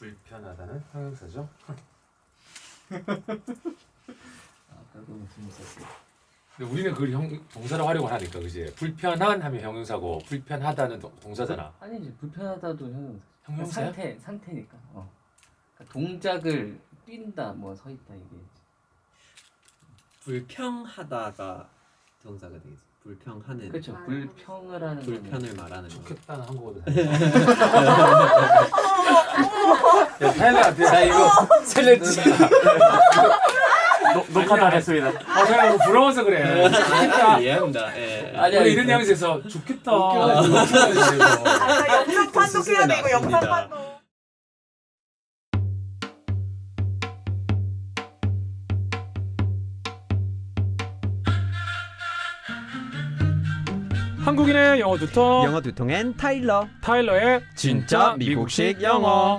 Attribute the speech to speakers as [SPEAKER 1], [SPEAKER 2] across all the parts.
[SPEAKER 1] 불편하다는 형용사죠.
[SPEAKER 2] 너무 재밌었어요.
[SPEAKER 1] 근데 우리는 그걸 동사로 활용을 하니까 그지. 불편한 하면 형용사고 불편하다는 동사잖아.
[SPEAKER 2] 아니지 불편하다도 형용사.
[SPEAKER 1] 형용사야?
[SPEAKER 2] 상태니까. 그러니까 동작을 뛴다 뭐 서 있다 이게.
[SPEAKER 3] 불평하다가 동사가 되겠지. 불평하는.
[SPEAKER 2] 그렇죠. 불평을 하는
[SPEAKER 3] 불편을 말하는 거.
[SPEAKER 1] 좋겠다는 한국어도. 야 타일러한테 자 이거 살려주자.
[SPEAKER 4] 녹화 다 됐습니다.
[SPEAKER 1] 내가 이거 부러워서 그래. 좋겠다.
[SPEAKER 3] 이해합니다. 예.
[SPEAKER 1] 원래 이런 뉘앙스에서 좋겠다.
[SPEAKER 5] 영상 판독해야 돼 이거 영상 판독.
[SPEAKER 1] 한국인의 영어 두통.
[SPEAKER 6] 영어 두통엔 타일러.
[SPEAKER 1] 타일러의 진짜 미국식 영어.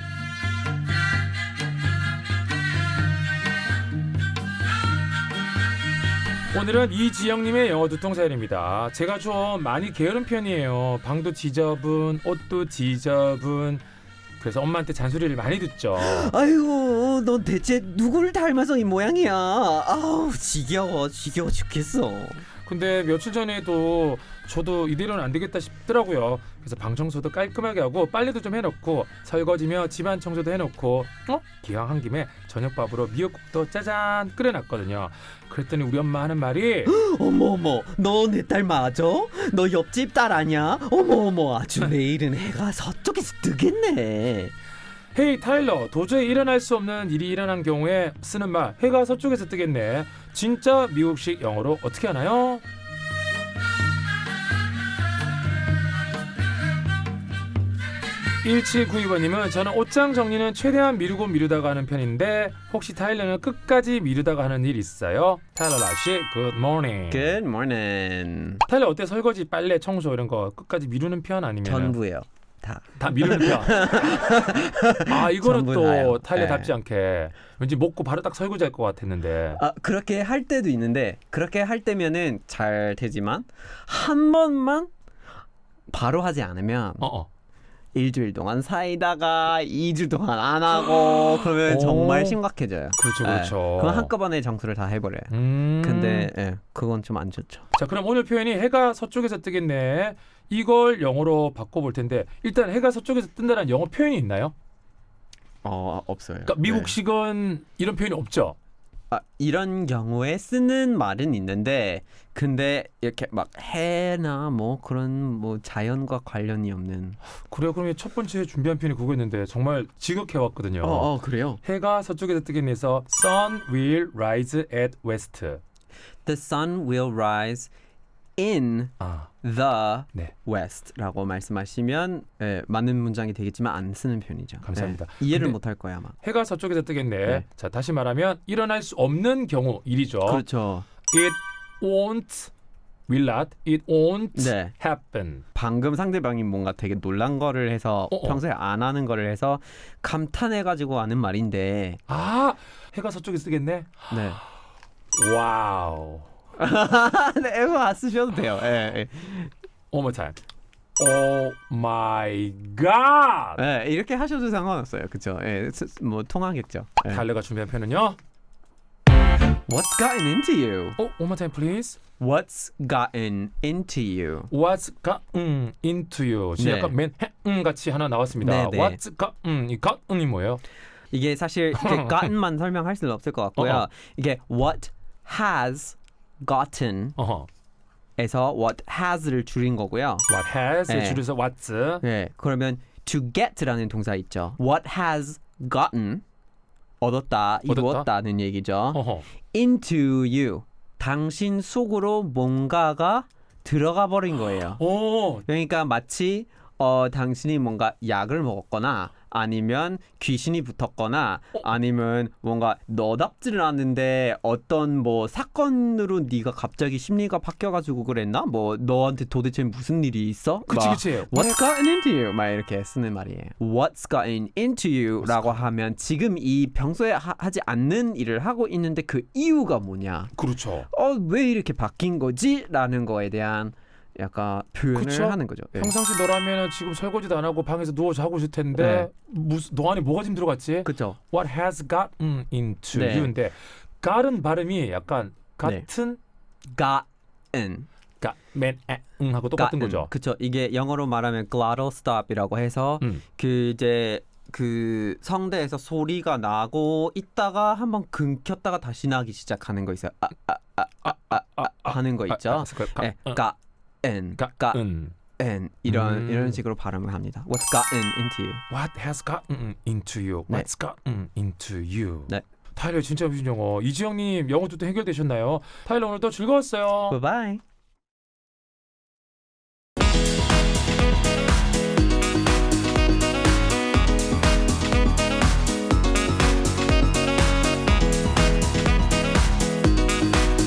[SPEAKER 1] 오늘은 이지영님의 영어 두통 사연입니다. 제가 좀 많이 게으른 편이에요. 방도 지저분, 옷도 지저분. 그래서 엄마한테 잔소리를 많이 듣죠.
[SPEAKER 6] 아이고, 넌 대체 누구를 닮아서 이 모양이야? 아우, 지겨워 죽겠어.
[SPEAKER 1] 근데 며칠 전에도 저도 이대로는 안 되겠다 싶더라고요. 그래서 방 청소도 깔끔하게 하고 빨래도 좀 해놓고 설거지며 집안 청소도 해놓고 기왕 한 김에 저녁밥으로 미역국도 짜잔 끓여놨거든요. 그랬더니 우리 엄마 하는 말이
[SPEAKER 6] 어머, 너 내 딸 맞아? 너 옆집 딸 아니야? 어머, 아주 내일은 해가 서쪽에서 뜨겠네.
[SPEAKER 1] 헤이 타일러, 도저히 일어날 수 없는 일이 일어난 경우에 쓰는 말 해가 서쪽에서 뜨겠네. 진짜 미국식 영어로 어떻게 하나요? (1792번님은) 저는 옷장 정리는 최대한 미루다가 하는 편인데 혹시 타일러는 끝까지 미루다가 하는 일 있어요? 타일러 라시 good morning.
[SPEAKER 6] Good morning.
[SPEAKER 1] 타일러 어때? 설거지, 빨래, 청소 이런 거 끝까지 미루는 편 아니면
[SPEAKER 6] 전부예요.
[SPEAKER 1] 다 미루는 편. 아 이거는
[SPEAKER 6] 전부
[SPEAKER 1] 또
[SPEAKER 6] 다요.
[SPEAKER 1] 타일러답지 않게 왠지 먹고 바로 딱 설거지할 것 같았는데.
[SPEAKER 6] 아, 그렇게 할 때도 있는데 그렇게 할 때면은 잘 되지만 한 번만 바로 하지 않으면 일주일 동안 사이다가 2주 동안 안 하고 그러면 정말 심각해져요.
[SPEAKER 1] 그렇죠.
[SPEAKER 6] 그럼 한꺼번에 정수를 다 해버려요. 근데 그건 좀 안 좋죠.
[SPEAKER 1] 자 그럼 오늘 표현이 해가 서쪽에서 뜨겠네. 이걸 영어로 바꿔볼 텐데 일단 해가 서쪽에서 뜬다는 영어 표현이 있나요?
[SPEAKER 6] 없어요.
[SPEAKER 1] 그러니까 미국식은 이런 표현이 없죠.
[SPEAKER 6] 이런 경우에 쓰는 말은 있는데 근데 이렇게 막 해나 뭐 그런 뭐 자연과 관련이 없는.
[SPEAKER 1] 그래요. 그럼 첫 번째 준비한 표현이 그거였는데 정말 지극해왔거든요.
[SPEAKER 6] 그래요.
[SPEAKER 1] 해가 서쪽에서 뜨겠네 해서 Sun will rise at west.
[SPEAKER 6] The sun will rise in the
[SPEAKER 1] 네.
[SPEAKER 6] west라고 말씀하시면 맞는 문장이 되겠지만 안 쓰는 편이죠.
[SPEAKER 1] 감사합니다.
[SPEAKER 6] 이해를
[SPEAKER 1] 근데
[SPEAKER 6] 못할 거야 아마.
[SPEAKER 1] 해가 서쪽에서 뜨겠네.
[SPEAKER 6] 네.
[SPEAKER 1] 자 다시 말하면 일어날 수 없는 경우 일이죠.
[SPEAKER 6] 그렇죠.
[SPEAKER 1] It won't, will not, it won't
[SPEAKER 6] 네.
[SPEAKER 1] happen.
[SPEAKER 6] 방금 상대방이 뭔가 되게 놀란 거를 해서 평소에 안 하는 거를 해서 감탄해가지고 하는 말인데.
[SPEAKER 1] 해가 서쪽에서 뜨겠네.
[SPEAKER 6] 네.
[SPEAKER 1] 와우.
[SPEAKER 6] 네, 이거 안 쓰셔도 돼요.
[SPEAKER 1] One more time. Oh my god.
[SPEAKER 6] 이렇게 하셔도 상관없어요. 그렇죠. 뭐 통하겠죠.
[SPEAKER 1] 달러가 준비한 표현은요.
[SPEAKER 6] What's gotten into you?
[SPEAKER 1] One more time, please.
[SPEAKER 6] What's gotten into you?
[SPEAKER 1] What's gotten into you. 지금
[SPEAKER 6] 네.
[SPEAKER 1] 약간 맨 같이 하나 나왔습니다.
[SPEAKER 6] 네.
[SPEAKER 1] What's gotten, 이 gotten이 뭐예요?
[SPEAKER 6] 이게 사실 이렇게 gotten만 설명할 수는 없을 것 같고요. 이게 what has gotten 에서 what has를 줄인 거고요.
[SPEAKER 1] What has
[SPEAKER 6] 네.
[SPEAKER 1] 줄여서 what's.
[SPEAKER 6] 네, 그러면 to get라는 동사 있죠. What has gotten 얻었다, 이루었다는 얘기죠. Into you 당신 속으로 뭔가가 들어가 버린 거예요. 그러니까 마치 당신이 뭔가 약을 먹었거나 아니면 귀신이 붙었거나 아니면 뭔가 너답지를 않은데 어떤 뭐 사건으로 네가 갑자기 심리가 바뀌어가지고 그랬나? 뭐 너한테 도대체 무슨 일이 있어?
[SPEAKER 1] 그치.
[SPEAKER 6] What's gotten into you? 막 이렇게 쓰는 말이에요. What's gotten into you?라고 하면 지금 이 평소에 하지 않는 일을 하고 있는데 그 이유가 뭐냐?
[SPEAKER 1] 그렇죠.
[SPEAKER 6] 왜 이렇게 바뀐 거지? 라는 거에 대한 약간 표현을
[SPEAKER 1] 그쵸?
[SPEAKER 6] 하는 거죠. 예.
[SPEAKER 1] 평상시 너라면 지금 설거지도 안 하고 방에서 누워 자고 있을 텐데 너 안에 뭐가 지금 들어갔지?
[SPEAKER 6] 그죠.
[SPEAKER 1] What has gotten into
[SPEAKER 6] 네.
[SPEAKER 1] you인데 got은 발음이 약간 같은
[SPEAKER 6] gotten.
[SPEAKER 1] 하고 똑같은 거죠.
[SPEAKER 6] 그쵸. 이게 영어로 말하면 glottal stop이라고 해서 그 이제 그 성대에서 소리가 나고 있다가 한번 끊겼다가 다시 나기 시작하는 거 있어요. 하는 거 있죠. 예, gotten 이런 식으로 발음을 합니다. What's gotten into you?
[SPEAKER 1] What has gotten into you?
[SPEAKER 6] 네.
[SPEAKER 1] What's gotten into you?
[SPEAKER 6] 네.
[SPEAKER 1] 타일러 진짜 무슨 영어. 이지영님 영어 또 해결되셨나요? 타일러 오늘 또 즐거웠어요.
[SPEAKER 6] Bye bye.